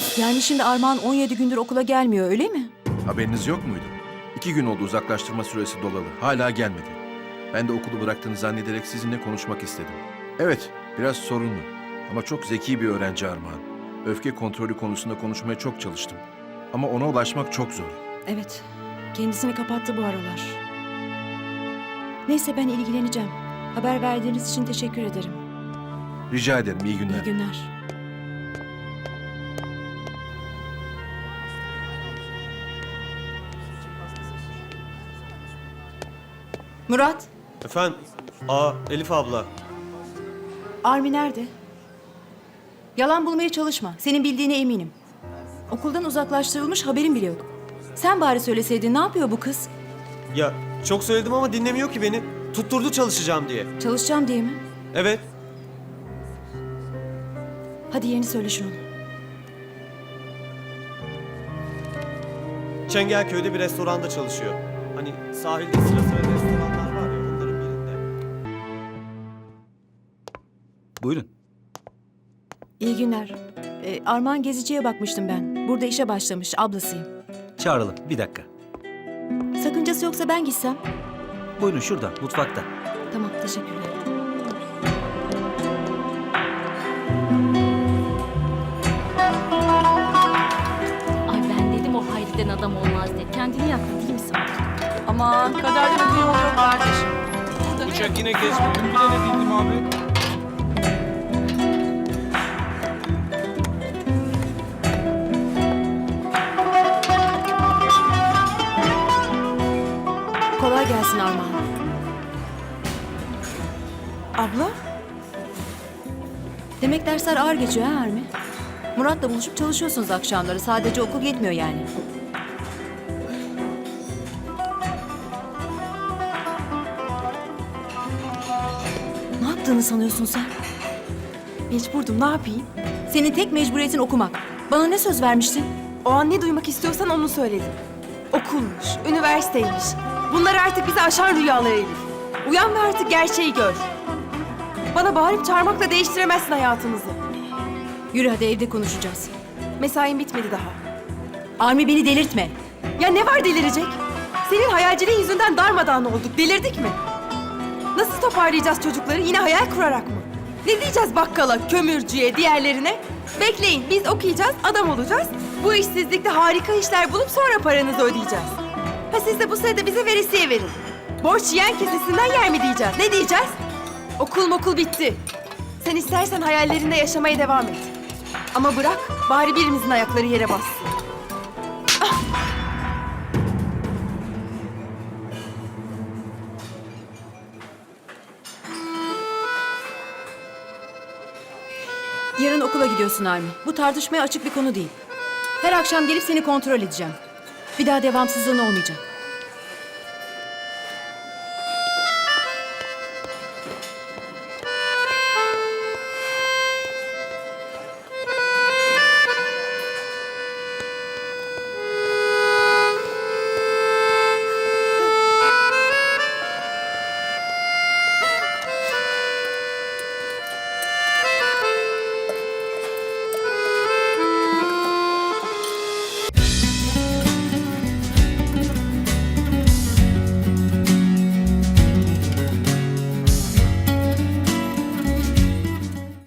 Yani şimdi Armağan 17 gündür okula gelmiyor, öyle mi? Haberiniz yok muydu? 2 gün oldu uzaklaştırma süresi dolalı. Hala gelmedi. Ben de okulu bıraktığını zannederek sizinle konuşmak istedim. Evet, biraz sorunlu. Ama çok zeki bir öğrenci Armağan. Öfke kontrolü konusunda konuşmaya çok çalıştım. Ama ona ulaşmak çok zor. Evet, kendisini kapattı bu aralar. Neyse ben ilgileneceğim. Haber verdiğiniz için teşekkür ederim. Rica ederim, iyi günler. İyi günler. Murat, Efendim? Elif abla. Armi nerede? Yalan bulmaya çalışma. Senin bildiğine eminim. Okuldan uzaklaştırılmış, haberin bile yok. Sen bari söyleseydin, ne yapıyor bu kız? Ya çok söyledim ama dinlemiyor ki beni. Tutturdu çalışacağım diye. Çalışacağım diye mi? Evet. Hadi yerini söyle şunu. Çengelköy'de bir restoranda çalışıyor. Hani sahilde sıra sıra restoranlar var ya, onların birinde. Buyurun. İyi günler. Armağan Gezici'ye bakmıştım ben. Burada işe başlamış, ablasıyım. Çağıralım. Bir dakika. Sakıncası yoksa ben gitsem? Buyurun şurada, mutfakta. Tamam, teşekkürler. Ay ben dedim o Hayri'den adam olmaz diye. Kendini yaktı değil mi sanki? Aman, kaderden öte yol yok kardeşim. Uçak yine geçmedi. Bile ne bildim abi. Kolay gelsin Armağan. Abla? Demek dersler ağır geçiyor ha Armi? Murat'la buluşup çalışıyorsunuz akşamları. Sadece okul yetmiyor yani. Ne yaptığını sanıyorsun sen? Mecburdum, ne yapayım? Senin tek mecburiyetin okumak. Bana ne söz vermiştin? O an ne duymak istiyorsan onu söyledim. Okulmuş, üniversiteymiş. Bunlar artık bizi aşan rüyalar Elif. Uyan ve artık gerçeği gör. Bana bağırıp çağırmakla değiştiremezsin hayatımızı. Yürü hadi, evde konuşacağız. Mesain bitmedi daha. Armi, beni delirtme. Ya ne var delirecek? Senin hayalciliğin yüzünden darmadağın olduk. Delirdik mi? Nasıl toparlayacağız çocukları? Yine hayal kurarak mı? Ne diyeceğiz bakkala, kömürcüye, diğerlerine? Bekleyin, biz okuyacağız, adam olacağız. Bu işsizlikte harika işler bulup sonra paranızı ödeyeceğiz. Ha siz de bu sırada bize veresiye verin. Borç yiyen kesesinden yer mi diyeceğiz? Ne diyeceğiz? Okul bitti. Sen istersen hayallerinde yaşamaya devam et. Ama bırak, bari birimizin ayakları yere bassın. Yarın okula gidiyorsun Armi. Bu tartışmaya açık bir konu değil. Her akşam gelip seni kontrol edeceğim. Bir daha devamsızlığın olmayacak.